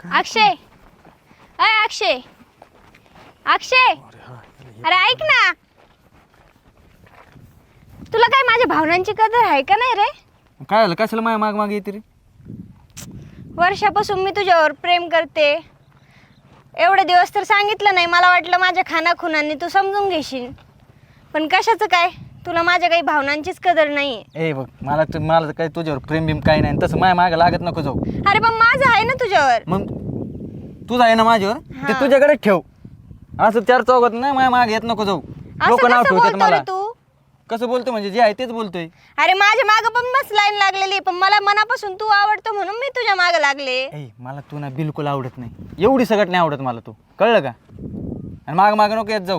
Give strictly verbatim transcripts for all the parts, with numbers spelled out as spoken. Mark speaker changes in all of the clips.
Speaker 1: अक्षय, अय अक्षय, अक्षय, अरे ऐक ना, तुला काय माझ्या भावनांची कदर आहे का नाही रे?
Speaker 2: काय झालं, कशाला माझ्या माग मागे येते रे?
Speaker 1: वर्षापासून मी तुझ्यावर प्रेम करते, एवढे दिवस तर सांगितलं नाही. मला वाटलं माझ्या खानाखुनांनी तू समजून घेशील, पण कशाचं काय, तुला माझ्या काही भावनांचीच कदर नाही.
Speaker 2: ए बघ, मला तू मला काय तुझ्यावर प्रेम बिम काही नाही, तसं माझ्या मागे लागत नको जाऊ.
Speaker 1: अरे पण माझं आहे ना तुझ्यावर.
Speaker 2: मग तुझं आहे ना माझ्यावर, ते तुझ्याकडे ठेव. असं चार चौघात नाही माझ्या मागे येत नको जाऊ. लोक नाव ठेवतात मला.
Speaker 1: तू
Speaker 2: कसं बोलतो म्हणजे जे आहे तेच बोलतोय.
Speaker 1: अरे माझ्या मागं पण मस्त लाईन लागलेली, पण मला मनापासून तू आवडतो म्हणून मी तुझ्या मागं लागले.
Speaker 2: ए मला तू ना बिलकुल आवडत नाही, एवढी सगळं नाही आवडत मला तू, कळलं का? आणि माग माग नको येत जाऊ.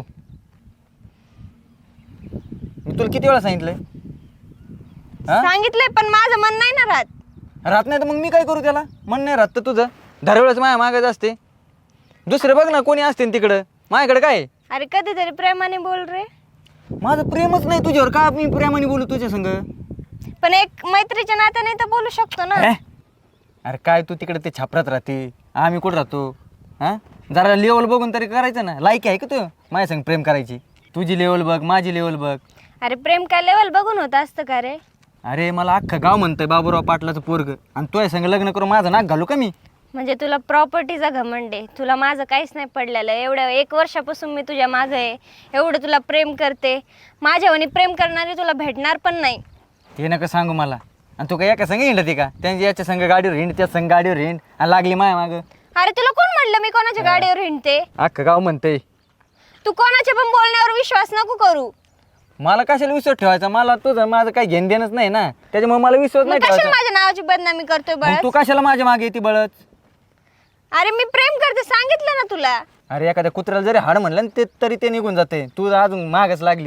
Speaker 2: मी तुला किती वेळा सांगितलंय?
Speaker 1: सांगितलंय पण माझं मन नाही ना राहत.
Speaker 2: राहत नाही तर मग मी काय करू त्याला? मन नाही राहत तर तुझं दरवेळेस माझ्या मागच असते. दुसरे बघ ना कोणी असते तिकडं, माझ्याकडे काय?
Speaker 1: अरे कधीतरी प्रेमाने बोल रे.
Speaker 2: माझं प्रेमच नाही तुझ्यावर, का मी प्रेमाने बोलू तुझ्या संग?
Speaker 1: पण एक मैत्रीच्या नात्याने तर बोलू शकतो ना.
Speaker 2: अरे काय तू तिकडे ते छापरात राहते, आम्ही कुठं राहतो? हा जरा लेवल बघून तरी करायचं ना. लायकी आहे का तू माझ्या संग प्रेम करायची? तुझी लेवल बघ, माझी लेवल बघ.
Speaker 1: अरे प्रेम काय लेवल बघून होत असतं का रे?
Speaker 2: अरे मला अख्खं गाव म्हणतंय बाबूराव पाटलाचं पोरग, आणि तुझ्या संग लग्न करून माझं नाक घालू का मी?
Speaker 1: म्हणजे तुला प्रॉपर्टीचा घमंड आहे, तुला माझं काहीच नाही पडलेलं. एवढ्या एक वर्षापासून मी तुझ्या मागं आहे, एवढं तुला प्रेम करते. माझ्यावानी प्रेम करणारी तुला भेटणार पण नाही.
Speaker 2: ते नका सांगू मला. आणि तू काय एका संग हिंडते का? त्यांची याच्या संग गाडीवर हिंड, त्या संग गाडीवर हिंड, आणि लागली माया मागं.
Speaker 1: अरे तुला कोण म्हणलं मी कोणाच्या गाडीवर हिंडते?
Speaker 2: अख्खं गाव म्हणतंय.
Speaker 1: तू कोणाच्या पण बोलण्यावर विश्वास नको करू.
Speaker 2: मला कशाला विश्वास ठेवायचा? मला तुझं माझं काही घेण देणंच नाही ना, त्याच्यामुळे मला विश्वास
Speaker 1: मग
Speaker 2: नाही
Speaker 1: कशाला
Speaker 2: ठेवायचा.
Speaker 1: माझ्या नावाची बदनामी करतोय
Speaker 2: मग
Speaker 1: बळच?
Speaker 2: तू कशाला माझ्या मागे येते बळच?
Speaker 1: अरे मी प्रेम करते सांगितलं ना तुला.
Speaker 2: अरे एखाद्या कुत्र्याला जरी हाड म्हणलं ना ते तरी ते निघून जाते, तू अजून मागच लागली.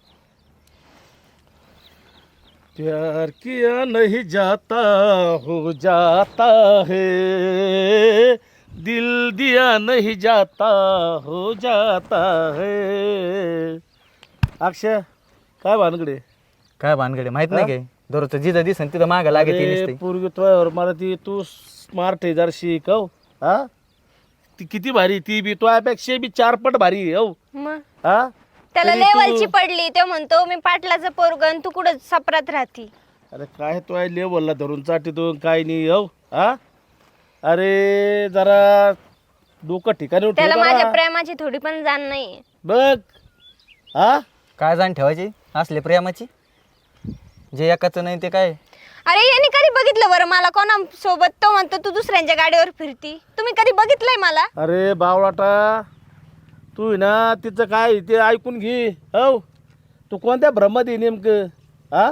Speaker 3: प्यार किया नहीं जाता हो जाता है, दिल दिया नहीं जाता हो जाता है. अक्षय काय भानगडे?
Speaker 2: काय भानगडे माहित नाही काय? दररोज जिथं दिसन तिथं मागं लागे ती
Speaker 3: अरे,
Speaker 2: नुसती.
Speaker 3: पोरगी तुझ्यावर मला ती तू स्मार्ट आहे जरा शिकव. हा ती किती भारी, ती बी तुझ्यापेक्षा बी चारपट भारी आहे, हो.
Speaker 1: मग
Speaker 3: हा
Speaker 1: त्याला
Speaker 3: तरी तू-
Speaker 1: लेवलची पडली, तो म्हणतो मी पाटलाचं पोरगण, तू कुठं सपरात राहती.
Speaker 3: अरे काय तो आहे लेवलला धरून चाटीतो काय नाही, हो. हा अरे जरा डोकं ठिकाणी ठेव
Speaker 1: त्याला
Speaker 3: जरा.
Speaker 1: माझ्या प्रेमाची थोडी पण जाण नाही.
Speaker 3: बघ. हा
Speaker 2: काय जाण ठेवायची असले प्रेमाची? जे एकाचं नाही ते काय?
Speaker 1: अरे यांनी कधी बघितलं बरं मला कोणा सोबत? तो म्हणतो तू दुसऱ्यांच्या गाडीवर फिरती. तुम्ही कधी बघितलंय मला?
Speaker 3: अरे बावळाटा, तू आहे ना तिचं काय ते ऐकून घे, हो. तू कोणत्या भ्रमात आहे नेमकं? हा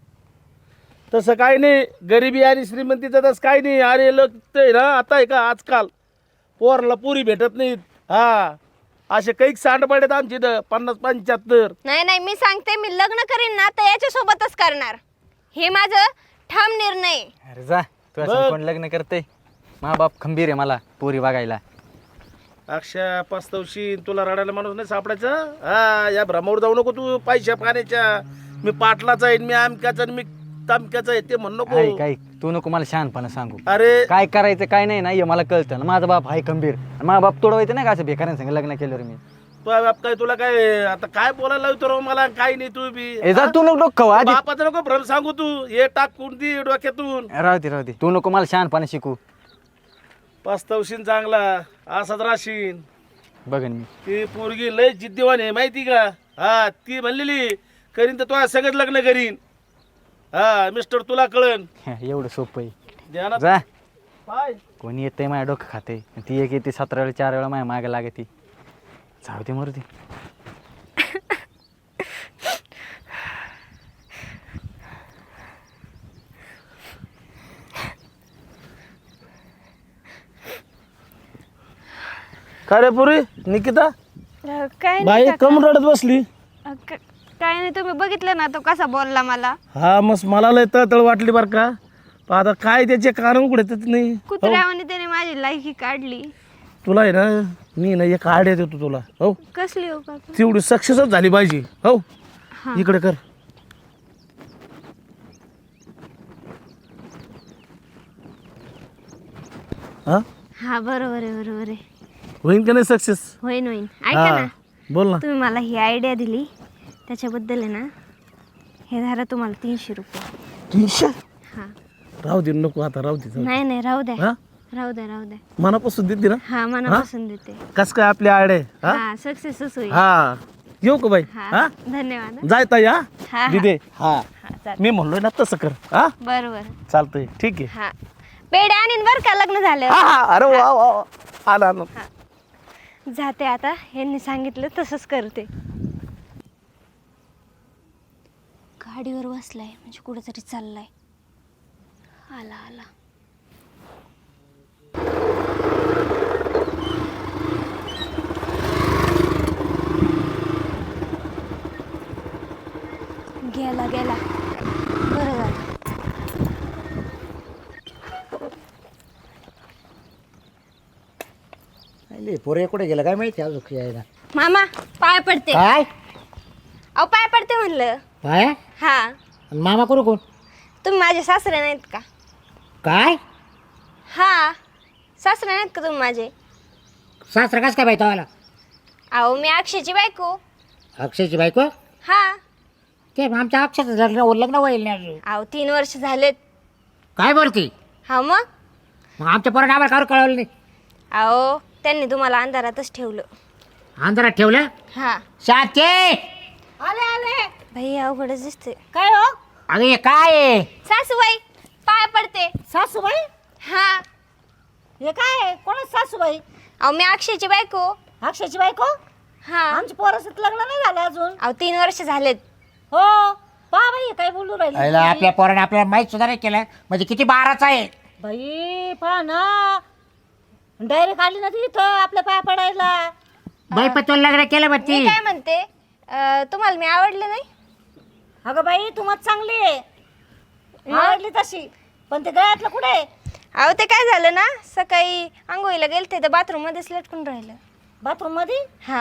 Speaker 3: तसं काय नाही, गरिबी आणि श्रीमंतीचं तसं काय नाही. अरे लोक ते ना आता आहे का आजकाल पोरला पुरी भेटत नाहीत. हा असे काही सांडपाड आहेत आमची इथं पन्नास पंच्याहत्तर.
Speaker 1: नाही नाही, मी सांगते मी लग्न करीन ना तर याच्या सोबतच करणार, हे माझं ठाम निर्णय आहे.
Speaker 2: अरे जा, तू असं
Speaker 3: बघ.
Speaker 2: कोण लग्न करते? मा बाप खंबीर आहे मला पोरी बघायला.
Speaker 3: अक्षय पस्तवशी तुला रडायला माणूस नाही सापडायचा. हा या भ्रमावर जाऊ नको तू पैशा पाण्याच्या. मी पाटलाचा आहे, मी आमक्याचा आणि मी तामक्याचा आहे ते म्हण नको.
Speaker 2: काय काय तू नको मला शहाणपणा सांगू.
Speaker 3: अरे
Speaker 2: काय करायचं काय नाही ना हे मला कळतं ना. माझा बाप आहे खंबीर, आणि माझा बाप तोडवायचं नाही का असं बेकारांसंग लग्न केल्यावर मी.
Speaker 3: तुझ्या बाप काय तुला काय आता काय बोलायला लावतो राव मला? काय नाही तू बी.
Speaker 2: ए जा, तू नको डोकं खाऊ आधी.
Speaker 3: बापाचं नको भ्रम सांगू तू. हे टाकून दे डोक्यातून.
Speaker 2: राहू दे राहू दे, तू नको मला शहाणपणा शिकू.
Speaker 3: पस्तवशीन चांगला असाच राशीन.
Speaker 2: बघन मी.
Speaker 3: ती पोरगी लय जिद्दीवान आहे माहिती का? हा ती म्हणलेली करीन तर तुला सगळं लग्न करीन. हा मिस्टर तुला कळन.
Speaker 2: एवढं सोपं आहे.
Speaker 3: ध्यानात
Speaker 2: जा,
Speaker 3: पाय.
Speaker 2: कोणी येतंय माझ्या डोकं खाते, ती एक येते सतरा वेळा चार वेळा माझ्या मागे लागे ती. जाऊ दे मरू दे.
Speaker 3: काय रे पुरी निकिता
Speaker 1: अं, काय
Speaker 3: बाई
Speaker 1: नाही
Speaker 3: कम रडत बसली?
Speaker 1: काका. अं, क- काय नाही, तुम्ही बघितलं ना तो कसा बोलला मला.
Speaker 3: हा मस्त मला लय तळतळ वाटली बरं का. पण आता काय त्याचे कारण उघडतच नाही.
Speaker 1: कुत्र्यावाने त्याने माझी लायकी काढली.
Speaker 3: तुला आहे ना मी ना एक आयडिया देतो तुला, हो.
Speaker 1: कसली हो काका?
Speaker 3: तेवढी सक्सेसच झाली पाहिजे, हो.
Speaker 1: हा.
Speaker 3: इकडे कर. हा
Speaker 1: हा हा बरोबर आहे बरोबर आहे.
Speaker 3: होईन का नाही सक्सेस?
Speaker 1: होईन होईन. ऐका ना,
Speaker 3: बोल ना.
Speaker 1: तुम्ही मला ही आयडिया दिली त्याच्याबद्दल आहे ना, हे धरा तुम्हाला तीनशे रुपये.
Speaker 3: तीनशे
Speaker 1: हा
Speaker 3: राहू दे, नको आता, राहू दे.
Speaker 1: नाही नाही राहू द्या
Speaker 3: हा
Speaker 1: राहू द्या राहू द्या.
Speaker 3: मनापासून देते ना?
Speaker 1: हा मनापासून देते.
Speaker 3: कस काय आपली आडे? हा
Speaker 1: हा सक्सेसच होईल.
Speaker 3: हा येऊ का बाई?
Speaker 1: हा
Speaker 3: हा
Speaker 1: धन्यवाद.
Speaker 3: जाय ताई. हा
Speaker 1: हा, हा.
Speaker 3: दिदे. हा
Speaker 1: हा चालेल.
Speaker 3: मी म्हणलोय ना तसं कर. हा
Speaker 1: बरोबर.
Speaker 3: चालतंय, ठीक आहे.
Speaker 1: हा पेढे आणीन बरं का लग्न झालं.
Speaker 3: हा हा अरे वा वा वा. आला आला.
Speaker 1: जाते आता, यांनी सांगितलं तसंच करते. गाडीवर बसलाय म्हणजे कुठेतरी चाललाय. आला आला. गेला गेला बरं झालं.
Speaker 4: अरे पोरे कुठे गेलं काय माहिती अजून यायला.
Speaker 1: मामा पाय पडते.
Speaker 4: काय
Speaker 1: अहो पाय पडते म्हणलं.
Speaker 4: काय
Speaker 1: हा
Speaker 4: आणि मामा करू कोण?
Speaker 1: तुम्ही माझे सासरे नाहीत का?
Speaker 4: काय
Speaker 1: हा सासरे नाहीत का तुम्ही माझे?
Speaker 4: सासरा कस काय बाई तवाला?
Speaker 1: अहो मी अक्षयची बायको.
Speaker 4: अक्षयची बायको?
Speaker 1: हा
Speaker 4: ते आमच्या अक्षयचं लग्न लग्न होईल नाही अजून.
Speaker 1: अहो तीन वर्ष झालेत.
Speaker 4: काय बोलती?
Speaker 1: हा मग
Speaker 4: मग आमच्या पोराने आम्हाला कावर कळवलं नाही?
Speaker 1: अहो त्यांनी तुम्हाला अंधारातच ठेवलं.
Speaker 4: अंधारात ठेवलं?
Speaker 1: हा
Speaker 4: शांती
Speaker 1: आले आले. भाई अवघडच दिसते.
Speaker 5: काय हो
Speaker 4: अगं हे काय आहे?
Speaker 1: सासूबाई पाय पडते.
Speaker 5: सासूबाई?
Speaker 1: हा
Speaker 5: हे काय आहे? कोण आहे सासूबाई?
Speaker 1: अहो मी अक्षयची बायको.
Speaker 5: अक्षयची बायको?
Speaker 1: हा
Speaker 5: आमच्या पोराचं लग्न नाही झालं अजून.
Speaker 1: अहो तीन वर्ष झालेत.
Speaker 5: हो पा बाई काय बोलू राहिली
Speaker 4: आईला आपल्या पोराने आपल्याला माहीत सुद्धा नाही केलं म्हणजे किती बाराचा आहे.
Speaker 5: बाई पहा ना, डायरेक्ट आली ना ती इथं आपल्या पाया पडायला.
Speaker 4: बाई पण तुला लग्न केलं मग
Speaker 1: मी
Speaker 4: ती
Speaker 1: काय म्हणते अं, तुम्हाला मी आवडले नाही?
Speaker 5: अगं बाई तू मत चांगली आहे, आवडली तशी, पण ते गळ्यातलं कुठे आहे?
Speaker 1: अहो ते काय झालं ना, सकाळी आंघोळीला गेलते तर बाथरूम मध्येच लटकून राहिलं.
Speaker 5: बाथरूम मध्ये?
Speaker 1: हा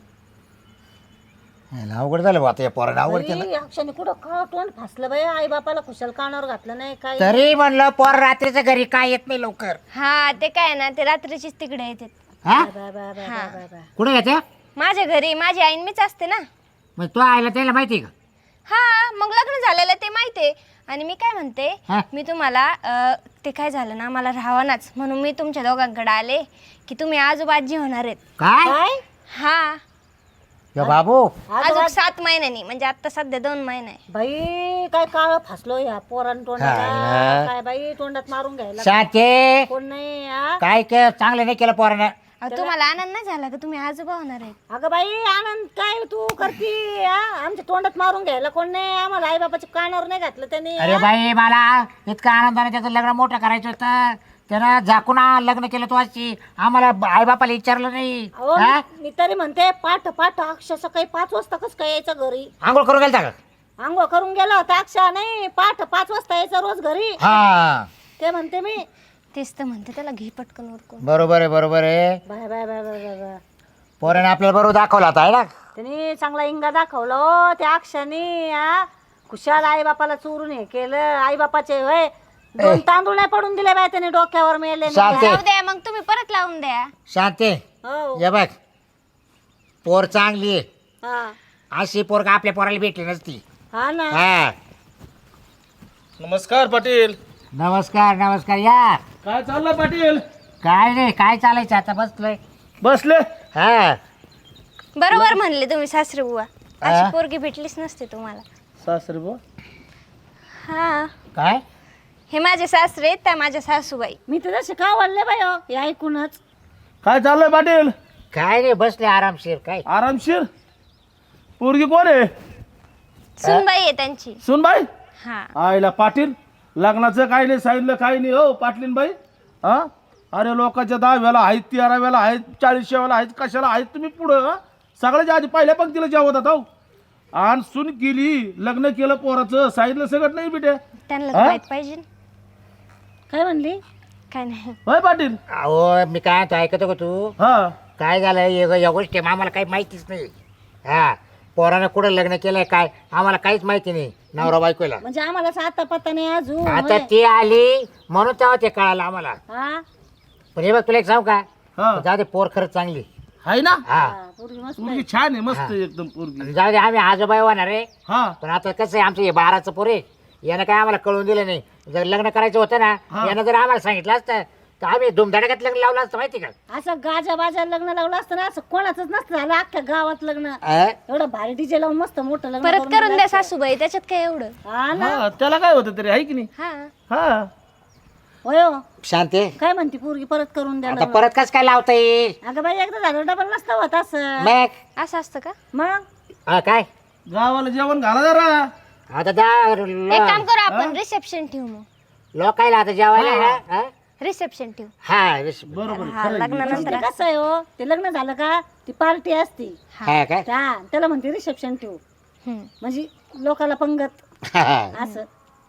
Speaker 4: आईला अवघड झालं बा आता या पोराने अवघड केलं.
Speaker 5: बाई, अक्षयने कुठं का तोंड फासलं बाई, आई बापाला खुशाल कानावर घातलं नाही काय.
Speaker 4: तरी म्हणलं पोर रात्रीचं घरी काय येत नाही लवकर.
Speaker 1: हा ते काय ना, ते रात्रीचीच तिकडे येतात.
Speaker 4: हा
Speaker 5: बा, बा, बा,
Speaker 1: हा.
Speaker 5: बा, बा.
Speaker 4: कुठे येते?
Speaker 1: माझ्या घरी माझी आईन मीच असते ना.
Speaker 4: मग तो आईला त्याला माहिती आहे का?
Speaker 1: हा मग लग्न झालेलं ते माहितीये. आणि मी काय म्हणते,
Speaker 4: हा.
Speaker 1: मी तुम्हाला अं, ते काय झालं ना, मला राहावनाच म्हणून मी तुमच्या दोघांकडे आले की तुम्ही आजोबाजी होणार आहेत.
Speaker 4: काय
Speaker 5: काय
Speaker 1: हा
Speaker 4: यो बाबू
Speaker 1: अजून सात महिन्यांनी, म्हणजे आता सध्या दोन महिने.
Speaker 5: बाई काय काळ फासलो या पोरान
Speaker 4: हा.
Speaker 5: तोंडाला, काय बाई तोंडात मारून घ्यायला
Speaker 4: शांती
Speaker 5: कोण नाही हा?
Speaker 4: काय के चांगलं नाही केलं पोरानं.
Speaker 1: अहो, तुम्हाला आनंद नाही झाला का तुम्ही आजोबा होणार आहेत?
Speaker 5: अगं बाई आनंद काय तू करती हा? आमच्या तोंडात मारून घ्यायला कोण नाही, आम्हाला आई बाबाच्या कानावर नाही घातलं त्यांनी.
Speaker 4: अरे बाई मला इतका आनंदाने त्याचं लग्न मोठं करायचं होतं, त्यानं झाकून आ- लग्न केलं तू अशी आम्हाला आई बापाला विचारलं नाही.
Speaker 5: अहो,
Speaker 4: हा?
Speaker 5: मी- मी तरी म्हणते पाठ पाठ अक्षय सकाळी पाच वाजता कस काय यायचं घरी?
Speaker 4: आंघोळ करून गेलता का?
Speaker 5: आंघोळ करून गेला होता अक्षय, नाही पाठ पाच वाजता यायचं रोज घरी.
Speaker 4: हा
Speaker 5: ते म्हणते मी.
Speaker 1: तेच तर म्हणते, त्याला घे पटकन उरकून.
Speaker 4: बरोबर आहे बरोबर आहे.
Speaker 5: Bye bye bye bye bye bye.
Speaker 4: पोराने आपल्याला बरोबर दाखवला होता आहे ना.
Speaker 5: त्यांनी चांगला इंगा दाखवला हो त्या अक्षयाने हा. खुशाल आई बापाला चोरून हे केलं. आई बापाचे होय दोन तांदूळ नाही पडून दिले बाय त्याने डोक्यावर मेले.
Speaker 4: शांती
Speaker 1: जाऊ द्या मग, तुम्ही परत लावून द्या.
Speaker 4: शांती
Speaker 5: हो
Speaker 4: ये बघ पोर चांगली आहे,
Speaker 5: हा
Speaker 4: अशी पोर का आपल्या पोराला भेटली नसती.
Speaker 5: हा ना.
Speaker 4: हा
Speaker 3: नमस्कार पाटील.
Speaker 4: नमस्कार नमस्कार या.
Speaker 3: काय चाललं पाटील?
Speaker 4: काय नाही काय चालायचं आता बसलोय.
Speaker 3: बसले.
Speaker 4: हा
Speaker 1: बरोबर म्हणले तुम्ही सासरे बुवा,
Speaker 4: हा?
Speaker 1: अशी पोरगी भेटलीच नसते तुम्हाला.
Speaker 3: सासरे बुवा.
Speaker 1: हा
Speaker 4: काय
Speaker 1: हे माझे सासरे आहेत, त्या माझ्या सासूबाई.
Speaker 5: मी तर जसे का वाढले बाई हो हे ऐकूनच.
Speaker 3: काय चाललंय पाटील?
Speaker 4: काय नाही बसले आरामशीर. काय
Speaker 3: आरामशीर. पोरगी कोण आहे?
Speaker 1: सुनबाई आहे त्यांची.
Speaker 3: सुनबाई.
Speaker 1: हा
Speaker 3: आईला पाटील लग्नाचं काही नाही सांगितलं, काही नाही हो पाटलीन बाई. हा अरे लोकांच्या दहाव्याला आहेत, तेराव्याला आहेत, चाळीसव्याला आहेत, कशाला आहेत तुम्ही पुढं? हं? सगळ्याच्या आधी पहिल्या पंक्तीला जेवतात हो. आणि सून केली, लग्न केलं पोराचं, सांगितलं सगळं नाही बेटे.
Speaker 1: त्यांना तर
Speaker 3: हा?
Speaker 1: माहित पाहिजे.
Speaker 5: काय म्हणली?
Speaker 1: काय नाही.
Speaker 3: होय पाटील.
Speaker 4: अहो मी काय म्हणतो ऐकतो का तू?
Speaker 3: हा
Speaker 4: काय झालं या या गोष्टी आम्हाला काही माहितीच नाही. हा पोरानं कुठं लग्न केलंय काय आम्हाला काहीच माहिती नाही नवरा बायकोला.
Speaker 5: म्हणजे आम्हाला आता पत्ता नाही अजून
Speaker 4: आता
Speaker 5: होय.
Speaker 4: ती आली म्हणून तेव्हा ते कळालं आम्हाला.
Speaker 5: हा
Speaker 4: पण हे बघ तुला एक सांगू का
Speaker 3: हा
Speaker 4: जाऊ दे पोर खरंच चांगली
Speaker 3: आहे ना
Speaker 4: हा
Speaker 5: हा, पोरगी मस्त आहे.
Speaker 3: पोरगी छान आहे मस्त आहे एकदम पोरगी
Speaker 4: जाऊ दे आम्ही आजोबाई होणार रे
Speaker 3: हा
Speaker 4: पण आता कसं आहे आमचं हे बाराचं पोरे यानं काय आम्हाला कळून दिलं नाही जर लग्न करायचं होतं ना
Speaker 3: हा.
Speaker 4: यानं जर आम्हाला सांगितलं असतं तर आम्ही धुमधडाक्यात लग्न लावलं असतं माहिती का
Speaker 5: असं गाजा बाजा लग्न लावलं असतं ना असं कोणाच नसतं झालं अख्ख्या गावात लग्न
Speaker 4: अं?
Speaker 5: एवढं भारी डीजे लावून मस्त मोठं लग्न
Speaker 1: परत करून
Speaker 5: दिलं
Speaker 1: द्या
Speaker 5: असतं.
Speaker 1: सासूबाई, त्याच्यात काय एवढं.
Speaker 5: हा ना
Speaker 3: हा त्याला काय होतं तरी आहे की नाही
Speaker 1: हा
Speaker 3: हा
Speaker 5: होय हो.
Speaker 4: शांती
Speaker 5: काय म्हणते पोरगी परत करून द्या
Speaker 4: आता
Speaker 5: लग्न.
Speaker 4: परत कस काय लावता येईल
Speaker 5: अगं बाई एकदा झालं डबल नसतं होत असं
Speaker 4: मग
Speaker 1: असं असतं का?
Speaker 5: मग
Speaker 4: हा, काय
Speaker 3: गावाला जेवण घाला जरा
Speaker 4: आता त्या
Speaker 1: एक काम करू आपण, रिसेप्शन ठेवू मग.
Speaker 4: लोकायला आता जेवायला ना हा?
Speaker 1: रिसेप्शन ठेवू.
Speaker 4: हा विस-
Speaker 3: बरोबर
Speaker 1: हा, लग्नानंतर
Speaker 5: ते कसं आहे हो ते लग्न झालं का ती पार्टी असती
Speaker 4: हा काय
Speaker 5: त्या त्याला म्हणते रिसेप्शन ठेवू
Speaker 1: हम्म.
Speaker 5: म्हणजे लोकाला पंगत
Speaker 4: हा, हा.
Speaker 5: असं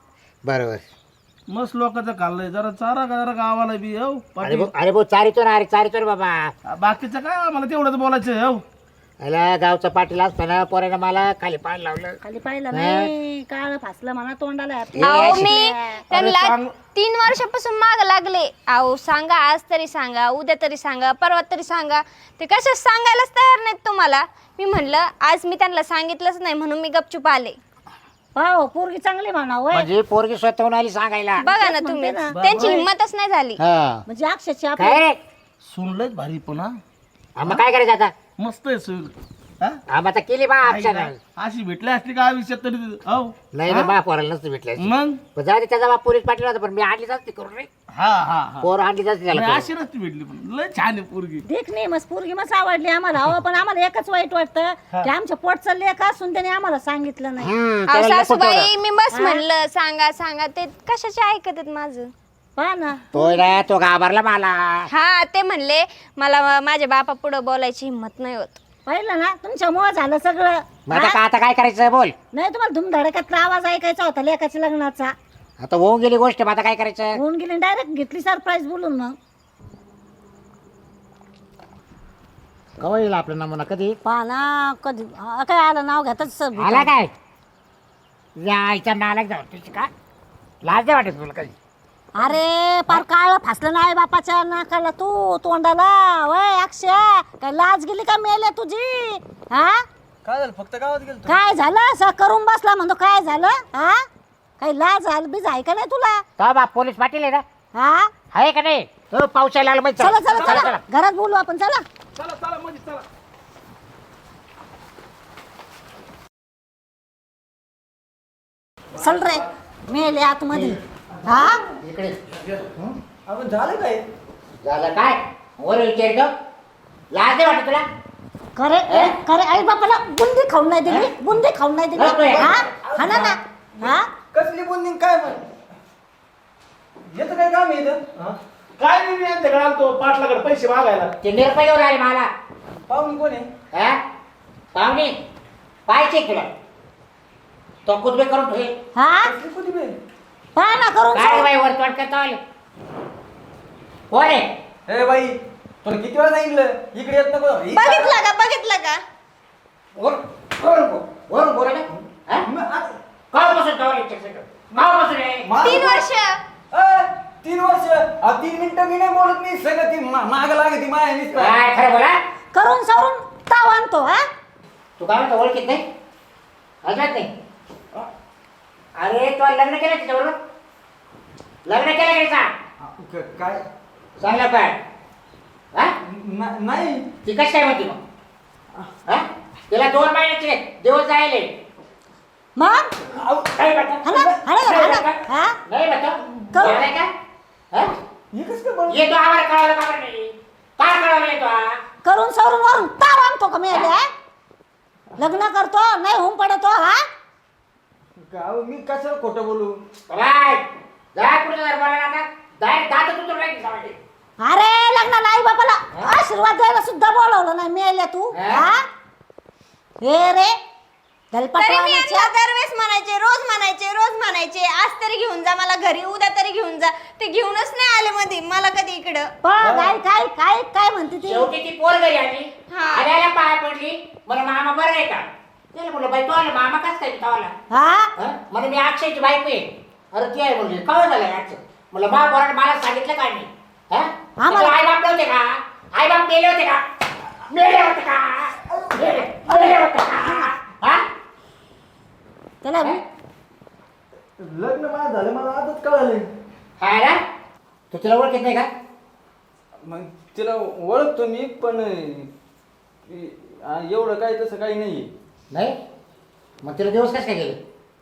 Speaker 4: बरोबर
Speaker 3: मस्त लोकांचं खाल्लंय जरा चारा का जरा गावाला बी हो
Speaker 4: अरे
Speaker 3: पाटील
Speaker 4: भाऊ अरे भाऊ चारितो ना अरे चारितो रे बाबा
Speaker 3: बाकीचं काय आम्हाला तेवढंच बोलायचं हो
Speaker 4: अला गावचा पाटील असताना पोरानं मला खाली पाय लावलं
Speaker 5: खाली पाहिलं नाही काळ फासलं म्हणा तोंडाला
Speaker 4: हे
Speaker 1: अहो
Speaker 4: अशी-
Speaker 1: मी त्यांना
Speaker 3: चांग-
Speaker 1: तीन वर्षापासून माग लागले. अहो सांगा, आज तरी सांगा, उद्या तरी सांगा, परवा तरी सांगा. ते कशाच सांगायलाच तयार नाहीत तुम्हाला. मी म्हणलं आज मी त्यांना सांगितलंच नाही म्हणून मी गपचूप आले.
Speaker 5: पाहो पोरगी चांगली म्हणा होय
Speaker 4: म्हणजे पोरगी स्वतःहून आली सांगायला
Speaker 1: बघा ना तुम्ही,
Speaker 5: म्हणते ना.
Speaker 1: त्यांची हिंमतच नाही झाली.
Speaker 4: हा
Speaker 5: म्हणजे अक्षरशः
Speaker 4: काय
Speaker 5: आपल्या
Speaker 4: रे
Speaker 3: सुनलंच भारी पण हा
Speaker 4: हा, मग काय करायचं आता
Speaker 3: मस्त आहे सून हा?
Speaker 4: हा मग आता केली बा
Speaker 3: आई
Speaker 4: आमच्या
Speaker 3: काय? अशी भेटली असली का आयुष्यात तरी हो
Speaker 4: नाही ना बा पोराला नसतं भेटल्या
Speaker 3: मग
Speaker 4: जाऊ दे त्याचा बाप पोलीस पाटील होता पण मी आणलीच असते करून रे
Speaker 3: हा हा हा
Speaker 4: पोर आणलीच असते त्याला
Speaker 3: नाही,
Speaker 4: करून.
Speaker 3: अशी नसती भेटली पण लय छान आहे पोरगी
Speaker 5: देख नाही मस्त पोरगी मस्त आवडली आम्हाला हो पण आम्हाला एकच वाईट वाटतं की आमच्या पोटचं लेख असून त्याने आम्हाला सांगितलं नाही
Speaker 4: हम्म,
Speaker 1: अहो,
Speaker 4: त्याला लय
Speaker 1: सासूबाई
Speaker 4: पटवलं.
Speaker 1: मी बस म्हणलं सांगा सांगा, ते कशाचे ऐकत आहेत माझं.
Speaker 5: पहा ना
Speaker 4: तो ना तो घाबरला मला
Speaker 1: हा ते म्हणले मला माझ्या बापा पुढे बोलायची हिंमत नाही होत.
Speaker 5: पाहिलं ना तुमच्यामुळं झालं सगळं
Speaker 4: मग आता
Speaker 5: हा?
Speaker 4: का आता काय करायचं बोल
Speaker 5: नाही तुम्हाला धुमधडक्यातला आवाज ऐकायचा होता लेखाच्या लग्नाचा
Speaker 4: आता होऊन गेली गोष्ट मग आता काय करायचं
Speaker 5: होऊन गेली डायरेक्ट घेतली सरप्राईज बोलून मग
Speaker 4: कवा येईल आपला नमुना कधी
Speaker 5: पहा ना कधी हा, काय आलं नाव घेतच
Speaker 4: आला काय यायच्या नालायक जाऊ तुझी का लाज नाही वाटत तुला कधी
Speaker 5: अरे पार काळ फासलं नाही बापाच्या नाकाला तू तोंडाला वय अक्षय काय लाज गेली का मेले तुझी हा
Speaker 2: काय झालं, फक्त गावात गेलो
Speaker 5: काय झालं असं करून बसला म्हणतो काय झालं हा काही लाज झालं बीज आहे का नाही तुला
Speaker 4: का बाप पोलीस पाटील आहे ना
Speaker 5: हा
Speaker 4: आहे का नाही तो पाऊस यायला लागला माहिती
Speaker 5: चला चला चला घरात बोलू आपण चला
Speaker 3: चला चला म्हणजे चला
Speaker 5: चल रे मेले आतमध्ये हा
Speaker 4: इकडे
Speaker 2: आपण झालं काय?
Speaker 4: झालं काय वर विचारतो लाज नाही वाटत तुला
Speaker 5: खरे ए, खरे आई बापाला बुंदी खाऊन नाही दिली बुंदी खाऊन नाही दिली
Speaker 4: नको आहे.
Speaker 5: हा हा ना ना हा
Speaker 2: कसली बोलणी काय पण येतं काय काम आहे इथं? हा?
Speaker 3: काय नाही मी यांच्याकडे आलतो पाटलाकडे पैसे मागायला
Speaker 4: ते निरपयोग आले मला
Speaker 2: पाहुणे कोण आहे?
Speaker 4: हा पाहुणे पाहिजे तुला तो कुदबे करून ठेव
Speaker 5: हा
Speaker 2: कसली कोणी बे?
Speaker 5: पहा ना करून
Speaker 4: काय बाई वर तोंड करतो आले कोण आहे
Speaker 2: ए बाई, तुला किती वेळा सांगितलं इकडे येत नको. ही
Speaker 1: बघितलं का बघितलं का
Speaker 4: वर वरून बो वरून बोला ना
Speaker 2: म- आ-
Speaker 4: काव बसून ठेवलं काव बसून रे
Speaker 2: मा-
Speaker 1: तीन वर्ष
Speaker 2: ए, तीन वर्ष आ, तीन मिनिटं मी नाही बोलत मी सगळं ती मा- माग लागते माया नुसतं.
Speaker 4: काय खरं बोला
Speaker 5: करून सवरून ताव आणतो हा
Speaker 4: तू काय म्हणतो ओळखीत नाही अजिबात नाही अरे तू लग्न केलं तिच्याबरोबर लग्न केलं का तिचा
Speaker 2: क- काय
Speaker 4: सांगलं काय हा
Speaker 2: न- नाही
Speaker 4: ती कशी काय म्हणते मग हा तिला दोन महिन्याचे दिवस जायले
Speaker 5: मग
Speaker 2: आऊ,
Speaker 4: काही म्हणतो?
Speaker 5: हा ना हा ना
Speaker 4: नाही
Speaker 5: हा ना
Speaker 4: म्हणतो?
Speaker 5: हा
Speaker 4: नाही म्हणतो
Speaker 5: करू.
Speaker 4: येणार का हा?
Speaker 2: हे कसं काय बोल-
Speaker 4: येतो आम्हाला कळवलं का बरं नाही काय कळवलं येतो हा?
Speaker 5: करून सवरून वरून ताव आणतो का मेले हा? लग्न करतो नाही होऊन पडतो हा
Speaker 2: गाव मी कशाला खोटं बोलू?
Speaker 4: बाय जा कुठे जर बोला आता डायरेक्ट दात तुझं राहील सावटे
Speaker 5: अरे लग्नाला आई बापाला आशीर्वाद द्यायला सुद्धा बोलवलं नाही मेले तू
Speaker 4: हा?
Speaker 5: हा हे रे
Speaker 1: तरी मी
Speaker 5: दलपटवाण्याच्या
Speaker 1: यांना दरवेळेस म्हणायचे, रोज म्हणायचे रोज म्हणायचे आज तरी घेऊन जा मला घरी, उद्या तरी घेऊन जा. ते घेऊनच नाही आले मध्ये मला कधी इकडं.
Speaker 5: पण काय काय काय काय म्हणते ती
Speaker 4: शेवटी ती पोर घरी आली
Speaker 1: हा.
Speaker 4: आल्याला पाय पडली मला मामा बरं आहे का त्याला म्हणलं बाई तो आला मामा कस काय तवाला
Speaker 5: हा
Speaker 4: म्हणे मी अक्षयची बायको आहे अरे ती आहे म्हणजे कळ झालं याचं म्हणलं मा पोराने मला सांगितलं काय नाही हा
Speaker 5: आम्हाला-
Speaker 4: आई बाप नव्हते का? आई बाप मेले होते का? मेले होते का? मेले मेले होते का? हा?
Speaker 5: त्याला
Speaker 2: लग्न माझं झालं मला आताच कळालं.
Speaker 4: हा ना? तू तिला ओळखत नाही का?
Speaker 2: मग तिला ओळखतो मी पण इ- आ, एवढं काय तसं काही नाहीये.
Speaker 4: नाही? मग तिला दिवस कसं काय गेले?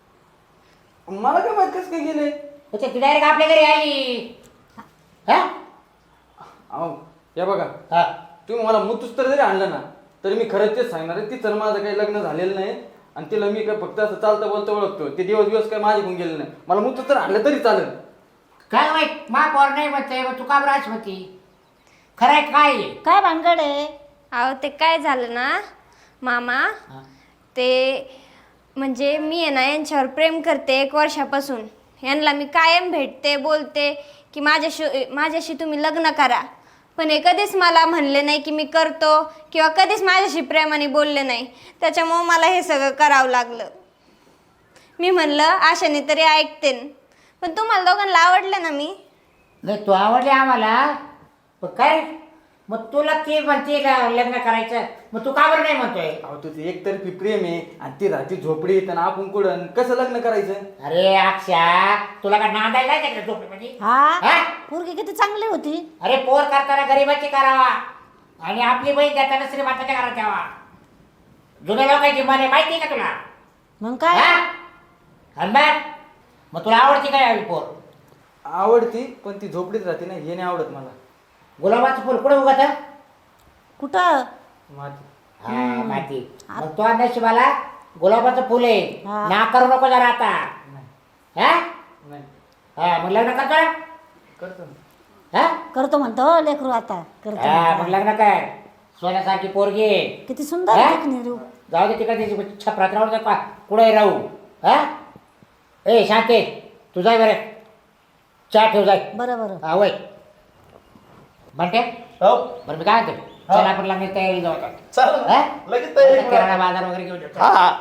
Speaker 2: मला काय माहित कसं काय गेले.
Speaker 4: अच्छा, ती डायरेक्ट आपल्या घरी आली. हा?
Speaker 2: अहो या बघा,
Speaker 4: हा.
Speaker 2: तुम्ही मला मुतूस तर जरी आणलं ना तरी मी खरंच तेच सांगणार आहे, तिचं माझं काही लग्न झालेलं नाही आणि तिला मी काय फक्त असं चालतं बोलतं ओळखतो. ते दिवस दिवस काय माझ्याकडून गेले नाही. मला मुतूस तर आणलं तरी चालेल.
Speaker 4: काय माहित मा पोर नाही म्हणते, मग तू का बराच होती? खरं आहे काय आहे?
Speaker 5: काय भानगड आहे?
Speaker 1: अहो ते काय झालं ना मामा,
Speaker 4: हा.
Speaker 1: ते म्हणजे मी आहे ना यांच्यावर प्रेम करते एक वर्षापासून. यांना मी कायम भेटते, बोलते की माझ्याशी माझ्याशी तुम्ही लग्न करा, पण हे कधीच मला म्हणले नाही की मी करतो किंवा कधीच माझ्याशी प्रेमाने बोलले नाही. त्याच्यामुळं मला हे सगळं करावं लागलं. मी म्हणलं आशाने तरी ऐकते, पण तुम्हाला दोघांना आवडलं ना मी.
Speaker 4: नाही तू आवडली आम्हाला, पण काय मग तुला ती म्हणते ल- लग्न करायचं, मग तू का बरं नाही म्हणतोय?
Speaker 2: अहो तुझं एकतर्फी प्रेम आहे आणि ती राहती झोपडीत आणि आपण कुठं कसं लग्न करायचं.
Speaker 4: अरे अक्षा, तुला का नांदायला जायचं का झोपडीमध्ये?
Speaker 5: हा
Speaker 4: हा?
Speaker 5: पोरगी किती चांगली होती.
Speaker 4: अरे पोर करताना गरीबाची करावा आणि आपली बहीण देताना श्रीमंताच्या घरात द्यावा. जुन्या लोकांची मन आहे माहिती आहे का तुला?
Speaker 5: मग काय?
Speaker 4: हा? आणि मग? मग तुला आवडती काय हवी पोर?
Speaker 2: आवडती पण ती झोपडीत राहते ना, हे नाही आवडत मला.
Speaker 4: गुलाबाचं फुल कुठे उगत?
Speaker 5: कुठं?
Speaker 2: माती.
Speaker 4: हा माती. मग तो नशिबाला गुलाबाचं फुल आहे.
Speaker 5: हा.
Speaker 4: ना करू नको जरा आता. हा?
Speaker 2: नाही
Speaker 4: हा मग लग्न करतो ना?
Speaker 2: करतो ना.
Speaker 4: हा?
Speaker 5: करतो म्हणतो लेकरू आता करतो.
Speaker 4: हा मग लग्न कर. सोन्यासारखी पोरगी आहे.
Speaker 5: किती सुंदर
Speaker 4: हा?
Speaker 5: देखणी रूप.
Speaker 4: जाऊ दे तिकडे छपरात राहू दे का कुठे राहू. हा ए शांते तू जाय बरं, चहा ठेव जाय.
Speaker 5: बरं बरं.
Speaker 4: हा वय म्हणते
Speaker 3: हो
Speaker 4: बरं मी काय म्हणतो, चला आपण लग्नाची तयारी जाऊ आता.
Speaker 3: चालेल
Speaker 4: हा?
Speaker 3: लगेच तयारी करा.
Speaker 4: किराणा बाजार वगैरे घेऊन येतो.
Speaker 3: हा हा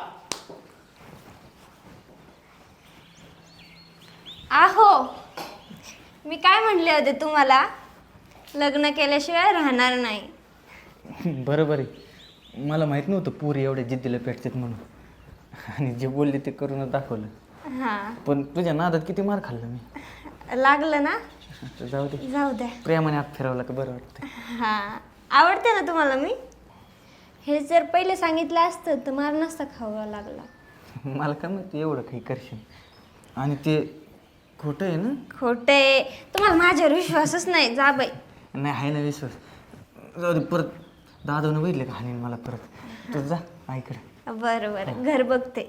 Speaker 1: आहो मी काय म्हणले होते तुम्हाला, लग्न केल्याशिवाय राहणार नाही.
Speaker 2: बरोबर आहे. मला माहित नव्हतं पुरी एवढ्या जिद्दीला पेटतात म्हणून, आणि जे बोलले ते करूनच दाखवलं.
Speaker 1: हां
Speaker 2: पण तुझ्या नादात किती मार खाल्लं मी.
Speaker 1: लागलं ना,
Speaker 2: तर जाऊ दे,
Speaker 1: जाऊ द्या.
Speaker 2: प्रेमाने आत फिरवलं का बरं वाटतं.
Speaker 1: हां आवडते ना तुम्हाला मी. हे जर पहिले सांगितलं असतं तर मार नसता खावा लागला.
Speaker 2: मला काय माहिती एवढं काही करशील. आणि ते खोटं आहे ना.
Speaker 1: खोटे, तुम्हाला माझ्यावर विश्वासच नाही. जा बाई.
Speaker 2: नाही आहे ना विश्वास. जाऊ दे, परत दादानं बघितलं का हाणीन मला परत. तू जा आईकडे.
Speaker 1: बरं बरं घर बघते.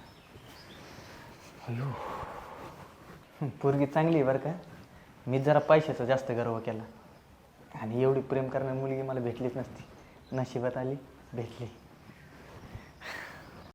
Speaker 2: अयो पोरगी चांगली आहे बरं का. मी जरा पैशाचा जास्त गर्व केला आणि एवढी प्रेम करणारी मुलगी मला भेटलीच नसती. नशिबात आली, भेटली.